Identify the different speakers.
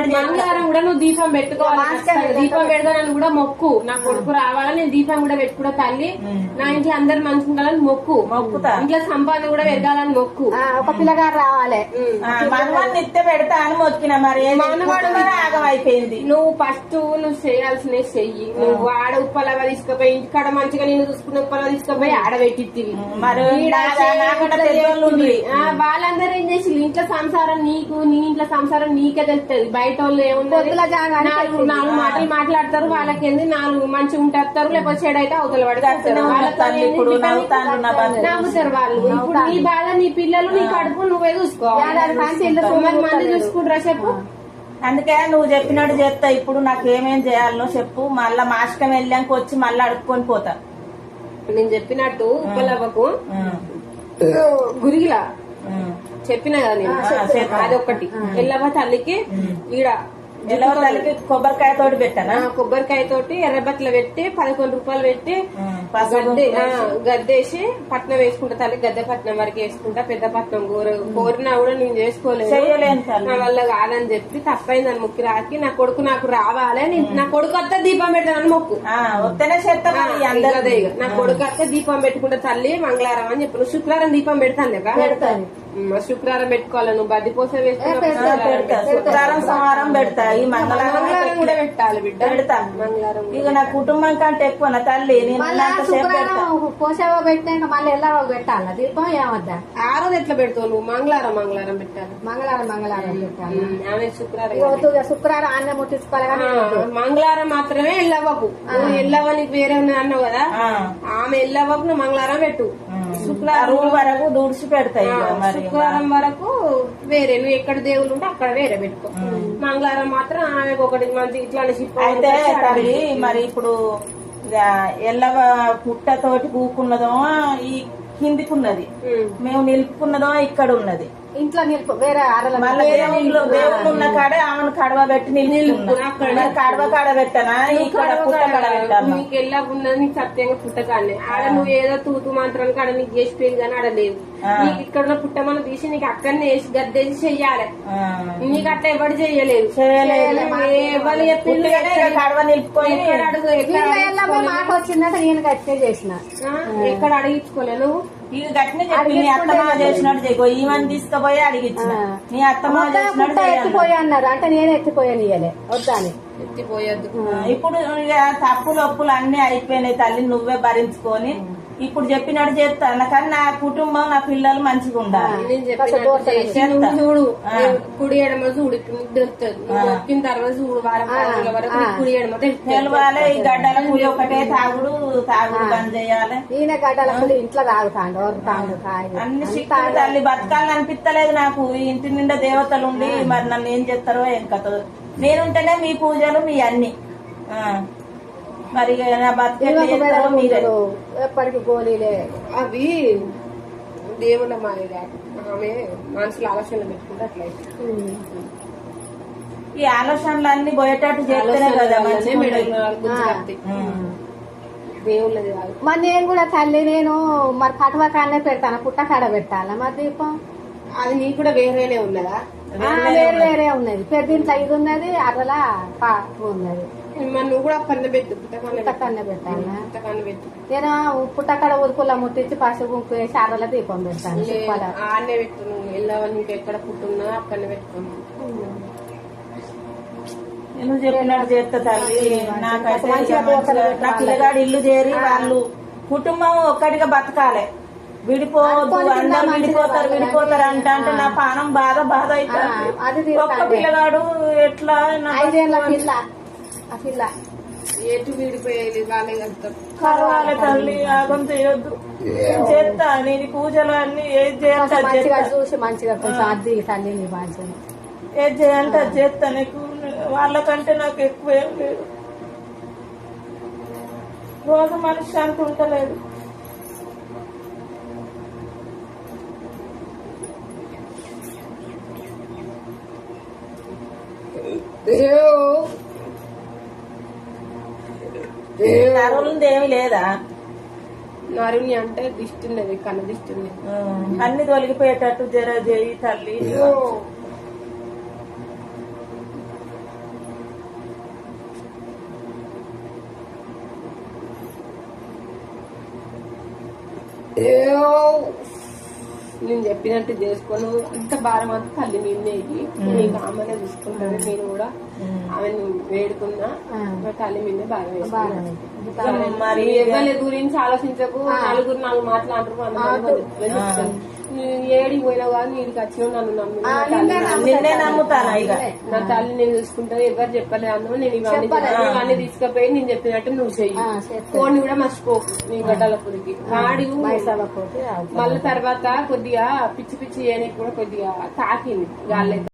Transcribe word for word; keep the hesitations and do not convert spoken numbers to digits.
Speaker 1: చెప్పినట్టు
Speaker 2: మంగళవారం కూడా నువ్వు దీపం పెట్టుకోవాలి. దీపం పెడతానని కూడా మొక్కు. నా కొడుకు రావాలని నేను దీపం కూడా పెట్టుకున్నా తల్లి. నా ఇంట్లో అందరు మంచిగా ఉండాలని మొక్కు. మొక్కుతా. ఇంట్లో సంపాదన కూడా పెరగాలని మొక్కు.
Speaker 3: ఒక పిల్లగారు రావాలి.
Speaker 1: మనవాడిని నిత్య పెడతా అని మొక్కిన. మరి మనవాడు ఆగం అయిపోయింది.
Speaker 2: నువ్వు ఫస్ట్ నువ్వు చేయాల్సినవి చెయ్యి. నువ్వు ఆడ ఉప్పలగా తీసుకుపోయి ఇంటికాడ మంచిగా నేను చూసుకున్న ఉప్పలగా తీసుకుపోయి ఆడబెట్టివి.
Speaker 1: మరి
Speaker 2: వాళ్ళందరూ ఏం చేసి ఇంట్లో సంసారం నీకు నీ ఇంట్లో సంసారం నీకే తెలుస్తుంది. బయట వాళ్ళు ఏముంది నాలుగు నాలుగు మాటలు మాట్లాడతారు. వాళ్ళకి ఏంది నాలుగు మంచిగా ఉంటారు. లేకపోతే చెడు అయితే అవతల పడతారు. నవ్వుతారు వాళ్ళు. ఇప్పుడు నీ బాధ నీ పిల్లలు నీ కడుపు నువ్వే చూసుకోవాలి. మంది చూసుకుంటారా చెప్పు.
Speaker 1: అందుకే నువ్వు చెప్పినట్టు చేస్తా. ఇప్పుడు నాకు ఏమేం చేయాలనో చెప్పు. మళ్ళా మాస్కం వెళ్ళాక వచ్చి మళ్ళీ అడుక్కొని పోతా.
Speaker 2: నేను చెప్పినట్టు ఉప్పలవ్వకు గురిగిలా చెప్పిన కదా నేను. అది ఒకటి. ఎల్లవ్వ తల్లికి ఈడ
Speaker 1: ఎల్లవ్వ తల్లికి కొబ్బరికాయ తోటి పెట్టానా.
Speaker 2: కొబ్బరికాయ తోటి ఎర్రబట్టలు పెట్టి పదకొండు రూపాయలు పెట్టి గద్దె గద్దేసి పట్నం వేసుకుంటా తల్లి. గద్దె పట్నం వరకు వేసుకుంటా. పెద్ద పట్నం కోర కోరినా కూడా నేను చేసుకోలేదు. నా వల్ల కాదని చెప్పి తప్పైందని మొక్కి రాకి నా కొడుకు నాకు రావాలి. నా కొడుకు వస్తే దీపం పెడతానని మొక్కు.
Speaker 1: వస్తేనే
Speaker 2: అదే నా కొడుకు వస్తే దీపం పెట్టుకుంటా తల్లి మంగళవారం అని చెప్పి. నువ్వు శుక్రవారం దీపం పెడతాను లేక
Speaker 3: పెడతాను.
Speaker 2: శుక్రవారం పెట్టుకోవాలి. నువ్వు బద్దిపోస వేసుకున్నా
Speaker 1: శుక్రవారం సోమవారం పెడతా. ఈ మంగళవారం
Speaker 2: కూడా పెట్టాలి బిడ్డ.
Speaker 1: పెడతా మంగళవారం. ఇక నా కుటుంబం కంటే ఎక్కువ నా తల్లి.
Speaker 3: పోసేవో పెట్టాక మళ్ళీ ఎలా పెట్టాలా దీపం ఏమద్దా.
Speaker 2: ఆ రోజు ఎట్లా పెడతావు నువ్వు? మంగళవారం మంగళవారం పెట్టాలి.
Speaker 3: మంగళవారం మంగళవారం పెట్టాలి.
Speaker 2: ఆమె శుక్రవారం
Speaker 3: శుక్రవారం అన్నం ముట్టించుకోవాలి.
Speaker 2: మంగళవారం మాత్రమే ఎల్లవ్వకు. నువ్వు ఎల్లవ్వ నీకు వేరే అన్నావు కదా. ఆమె ఎల్లవ్వకు నువ్వు మంగళవారం పెట్టు.
Speaker 1: శుక్రవారం వరకు దూడ్చి పెడతాయి.
Speaker 2: శుక్రవారం వరకు వేరే నువ్వు ఎక్కడ దేవుళ్ళు ఉంటే అక్కడ వేరే పెట్టుకో. మంగళవారం మాత్రం ఆమె ఒకటి మంచి ఇట్లా
Speaker 1: అయితే తల్లి. మరి ఇప్పుడు ఎల్లవ పుట్టతోటి కూకున్నదో ఈ కిందికున్నది, మేము నిలుపుకున్నదో ఇక్కడ ఉన్నది.
Speaker 3: ఇంట్లో నిలుపు వేరే
Speaker 1: దేవుళ్ళు ఉన్న కాడే ఆమెను కడవ పెట్టి నిలుపు. కడవ కాడ పెట్టనా ఇక్కడ పుట్ట కాడ పెట్టాను.
Speaker 2: నీకు ఎలా ఉన్నది నీకు సత్యంగా పుట్టకానే. ఆడ నువ్వు ఏదో తూతు మాత్రం కాడ నీకు చేసిపోయింది కానీ ఆడ లేదు. నీకు ఇక్కడ ఉన్న పుట్టమని తీసి నీకు అక్కడనే వేసి గద్దేసి చెయ్యాలి. నీకు అట్లా ఎవరు చెయ్యలేదు. ఎవరు చెప్పింది
Speaker 1: కడవ నిలుపుకొని
Speaker 3: మాట వచ్చిందంటే నేను గట్టే చేసిన.
Speaker 2: ఎక్కడ అడిగించుకోలే నువ్వు.
Speaker 1: ఇది గట్టినే చెప్పి నీ అత్తమ్మ చేసినట్టు చేయో. ఈమెను తీసుకుపోయి అడిగించిన. నీ అత్తమ్మ చేసినట్టు
Speaker 3: ఎత్తిపోయి అన్నారు అంటే నేనే ఎత్తిపోయాను. ఇయ్యలే వద్దాని
Speaker 2: ఎత్తిపోయద్దు.
Speaker 1: ఇప్పుడు తప్పులు ఒప్పులు అన్ని అయిపోయినాయి తల్లి. నువ్వే భరించుకొని ఇప్పుడు చెప్పినట్టు చేస్తాను. కానీ నా కుటుంబం నా పిల్లలు మంచిగా ఉండాలి.
Speaker 2: చూడు కుడి ఎడమ చూడు మొక్కిన తర్వాత చూడు వారం వరకు కుడి ఎడమ
Speaker 1: తెలవాలి. ఈ గడ్డల పులి ఒకటే తాగుడు తాగుడు బంద్ చేయాలి.
Speaker 3: ఈయన గడ్డల పులి ఇంట్లో తాగుతాడు.
Speaker 1: అన్ని శిక్షలు తల్లి. బతకాలని అనిపిస్తలేదు నాకు. ఇంటి నిండా దేవతలు ఉండి మరి నన్ను ఏం చేస్తారో ఏం కథ. నేనుంటేనే మీ పూజలు మీ అన్ని. మరి
Speaker 3: మీరు ఎప్పటికి గోళీలే
Speaker 2: అవి దేవుళ్ళ మాయ. ఆమె మనసులో ఆలోచనలు పెట్టుకుంటే అట్లయితే
Speaker 1: ఈ ఆలోచనలు అన్ని పోయేటట్టు చేస్తేనే కదా
Speaker 2: దేవుళ్ళది కాదు.
Speaker 3: మరి నేను కూడా తల్లి నేను మరి కటువ కాడనే పెడతాను. పుట్ట కాడ పెట్టాలా మరి దీపం.
Speaker 2: అది నీకు కూడా వేరేనే ఉన్నదా?
Speaker 3: వేరే వేరే ఉన్నది. పెద్దింట్లో ఇది ఉన్నది అట్లా ఉన్నది.
Speaker 2: నువ్వు కూడా కన్న పెట్టు.
Speaker 3: పుట్టకన్న పెట్టాలా? నేను పుట్టకడ ఉరుకుల ముట్టించి పసుపు గుంపు వేసి అరల దీపం పెడతాను.
Speaker 2: ఆడనే పెట్టు. నువ్వు వెళ్ళావా నీకు ఎక్కడ పుట్టున్నా అక్కడనే పెట్టుకున్నావు.
Speaker 1: నువ్వు చెప్పినట్టు చేస్తా తల్లి. నాకైతే నా పిల్లగాడు ఇల్లు చేరి వాళ్ళు కుటుంబం ఒక్కటిగా బతకాలి. విడిపోవద్దు. అందరూ విడిపోతారు విడిపోతారు అంట అంటే నా పానం బాధ బాధ అవుతుంది. ఒక్క పిల్లగాడు ఎట్లా
Speaker 3: ఐదేళ్ల పిల్ల ఆ పిల్ల
Speaker 2: ఎటు విడిపోయేది వాళ్ళే కలుగుతారు.
Speaker 1: కలవాలి తల్లి. ఆగం చేయొద్దు. చేస్తా నేను పూజలు అన్ని ఏది చేస్తా
Speaker 3: చూసి మంచిగా కొంచెం అద్దీ తల్లి నీ బాధ్యత
Speaker 1: ఏది చేయాలంటే అది చేస్తా. నీకు వాళ్ళకంటే నాకు ఎక్కువ ఏం లేదు. రోజు మనశ్శాంతి ఉంటలేదు. నరులుంది ఏమి లేదా?
Speaker 2: నరుని అంటే దిష్టి ఉన్నది. కన్న దిష్టి ఉన్నది.
Speaker 1: అన్ని తొలగిపోయేటట్టు జర చేయి తల్లి.
Speaker 2: ఏయో నేను చెప్పినట్టు చేసుకోను, అంత భారం అంతా తల్లి నిన్నేకి నీకు ఆమెనే చూసుకుంటాను. నేను కూడా ఆమెను వేడుకున్నా, మా తల్లి నిన్నే భారం వేసుకున్నాను.
Speaker 1: మరి
Speaker 2: ఎవరి గురించి ఆలోచించకు, నలుగురు నాలుగు మాట్లాడరు. ఏడికి పోయినావు కానీ నీడికి వచ్చినావు, నన్ను నమ్మి
Speaker 1: నిన్నే నమ్ముతాను. ఇక
Speaker 2: నా తల్లి నేను చూసుకుంటాను, ఎవరు చెప్పలేదు అన్న. నేను ఇవన్నీ ఇవన్నీ తీసుకుపోయి నేను చెప్పినట్టు నువ్వు చెయ్యి. ఫోన్ కూడా మర్చిపోకు నీ గడ్డలపురికి. వాడి మళ్ళీ తర్వాత కొద్దిగా పిచ్చి పిచ్చి చేయడానికి కూడా కొద్దిగా తాకింది గాలి.